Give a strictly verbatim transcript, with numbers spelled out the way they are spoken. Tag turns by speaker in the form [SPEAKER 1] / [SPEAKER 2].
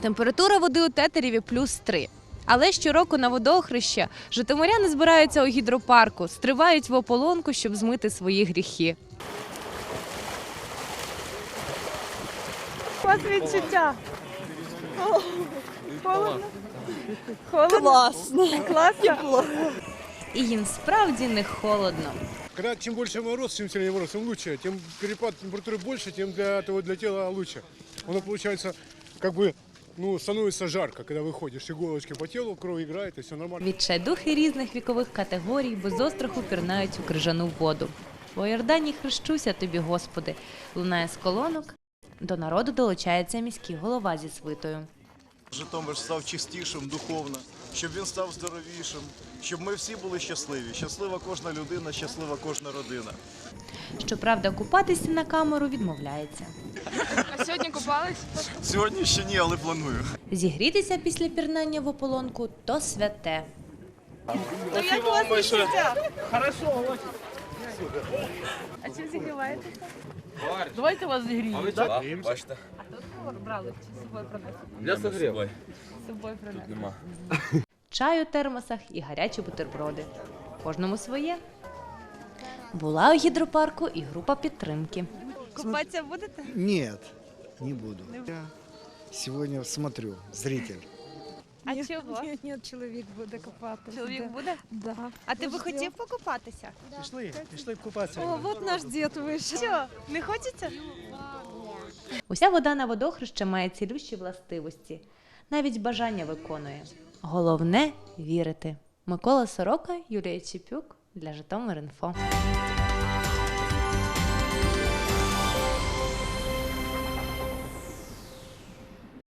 [SPEAKER 1] Температура води у Тетереві плюс три. Але щороку на водохреща житомиряни збираються у гідропарку, стривають в ополонку, щоб змити свої гріхи.
[SPEAKER 2] У вас відчуття? Холодно? Холодно?
[SPEAKER 3] Классно.
[SPEAKER 2] Класно?
[SPEAKER 1] І їм справді не холодно.
[SPEAKER 4] Когда чем больше мороз, чем сильнее мороз, тем лучше. Тем перепад температуры больше, тем для этого для тела лучше. Оно получается как бы ну, становится жарко, когда выходишь, иголочки по телу, кровь играет, и все нормально.
[SPEAKER 1] Відчайдухи різних вікових категорій без остраху пірнають у крижану воду. «По Йордані хрещуся тобі, Господи», лунає з колонок. До народу долучається міський голова зі свитою.
[SPEAKER 5] Житомир став чистішим духовно, щоб він став здоровішим, щоб ми всі були щасливі. Щаслива кожна людина, щаслива кожна родина.
[SPEAKER 1] Щоправда, купатися на камеру відмовляється.
[SPEAKER 2] А сьогодні купались?
[SPEAKER 5] Сьогодні ще ні, але планую.
[SPEAKER 1] Зігрітися після пірнання в ополонку – то святе.
[SPEAKER 2] Ну як у вас відчуття? Хорошо. А чим зігріваєтеся?
[SPEAKER 3] Давайте вас зігріємо.
[SPEAKER 6] Бачите?
[SPEAKER 2] Брали чи з собою принесли?
[SPEAKER 6] Для согріву.
[SPEAKER 2] З собою принесли.
[SPEAKER 6] Нема.
[SPEAKER 1] Чай у термосах і гарячі бутерброди. Кожному своє. Була у гідропарку і група підтримки. Купатися будете?
[SPEAKER 7] Нет, не буду. Я сегодня смотрю, зритель.
[SPEAKER 1] А чого?
[SPEAKER 2] Ні, ні, чоловік буде купатися.
[SPEAKER 1] Чоловік буде?
[SPEAKER 2] Да.
[SPEAKER 1] А ти би хотів покупатися?
[SPEAKER 4] Пішли, пішли купатися.
[SPEAKER 2] О, от наш дід вийшов.
[SPEAKER 1] Що, не хочеться? Уся вода на водохреща має цілющі властивості. Навіть бажання виконує. Головне – вірити. Микола Сорока, Юлія Чепюк для Житомир.Інфо.